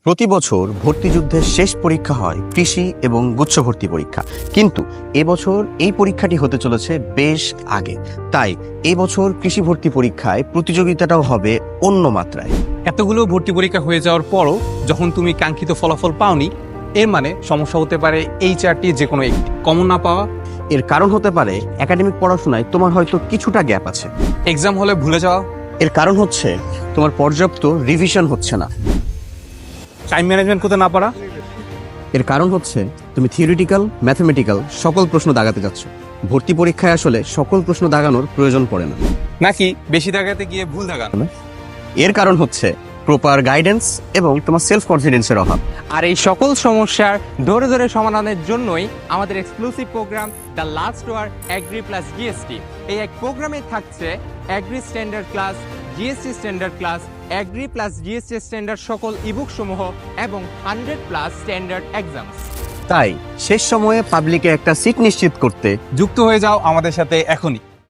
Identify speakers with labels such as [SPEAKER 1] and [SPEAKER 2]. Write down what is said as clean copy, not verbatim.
[SPEAKER 1] প্রতি বছর ভর্তি যুদ্ধের শেষ পরীক্ষা হয় কৃষি এবং গুচ্ছ ভর্তি পরীক্ষা, কিন্তু এবছর এই পরীক্ষাটি হতে চলেছে বেশ আগে। তাই এবছর কৃষি ভর্তি পরীক্ষায় প্রতিযোগিতাটাও হবে অন্য মাত্রায়।
[SPEAKER 2] এতগুলো ভর্তি পরীক্ষা হয়ে যাওয়ার পরও যখন তুমি কাঙ্ক্ষিত ফলাফল পাওনি, এর মানে সমস্যা হতে পারে এই চারটি যে কোনো একটি কমন না পাওয়া।
[SPEAKER 1] এর কারণ হতে পারে একাডেমিক পড়াশোনায় তোমার হয়তো কিছুটা গ্যাপ আছে।
[SPEAKER 2] এক্সাম হলে ভুলে যাওয়া।
[SPEAKER 1] এর কারণ হচ্ছে তোমার পর্যাপ্ত রিভিশন হচ্ছে না।
[SPEAKER 2] টাইম ম্যানেজমেন্ট করতে না পারা।
[SPEAKER 1] এর কারণ হচ্ছে তুমি থিওরিটিক্যাল, ম্যাথমেটিক্যাল সকল প্রশ্ন দাগাতে যাচ্ছ। ভর্তি পরীক্ষায় আসলে সকল প্রশ্ন দাগানোর প্রয়োজন পড়ে না।
[SPEAKER 2] নাকি বেশি দাগাতে গিয়ে ভুল দাগানো।
[SPEAKER 1] এর কারণ হচ্ছে প্রপার গাইডেন্স এবং তোমার সেলফ কনফিডেন্সের অভাব।
[SPEAKER 3] আর এই সকল সমস্যার ধরে ধরে সমাধানের জন্যই আমাদের exclusive program the last war agri plus GST. এই এক প্রোগ্রামে থাকছে agri standard class, GST standard class, agri plus GST standard সকল ইবুক সমূহ এবং 100+ স্ট্যান্ডার্ড এক্সামস।
[SPEAKER 1] তাই শেষ সময়ে পাবলিকে একটা সিট নিশ্চিত করতে
[SPEAKER 2] যুক্ত হয়ে যাও আমাদের সাথে এখনই।